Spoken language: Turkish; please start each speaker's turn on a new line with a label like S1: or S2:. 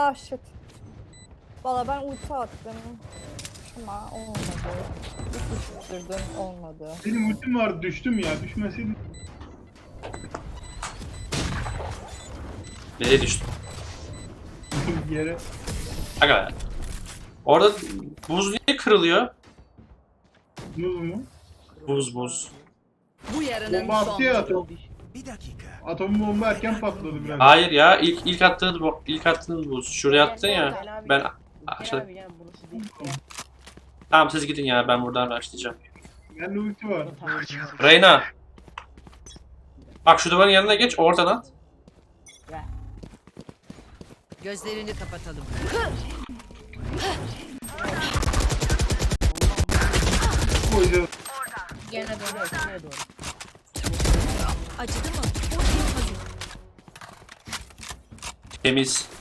S1: Ah shit. Valla ben ulti attım. Ama olmadı. Düşürdüm olmadı.
S2: Benim ultim vardı, düştüm ya. Düşmeseydim.
S3: Nereye düştün?
S2: Yere.
S3: Aga. Orada buz niye kırılıyor?
S2: Muz mu?
S3: Buz.
S4: Bu yarının
S2: Bomba attı ya
S4: son.
S2: atom.
S5: Bir dakika.
S2: Atom bomba erken patladı biraz.
S3: Hayır ya ilk attığın buz. Şuraya attın ya. Ben aşağı.
S6: Abi gel burası değil.
S3: Tamam siz gidin ya ben buradan başlayacağım.
S2: Bende ulti var.
S3: Reyna. Bak şu duvarın yanına geç oradan at.
S4: Gözlerini kapatalım.
S2: Koyacağız.
S6: Gene doğru. Gene doğru.
S4: Acıdı mı?
S3: Temiz.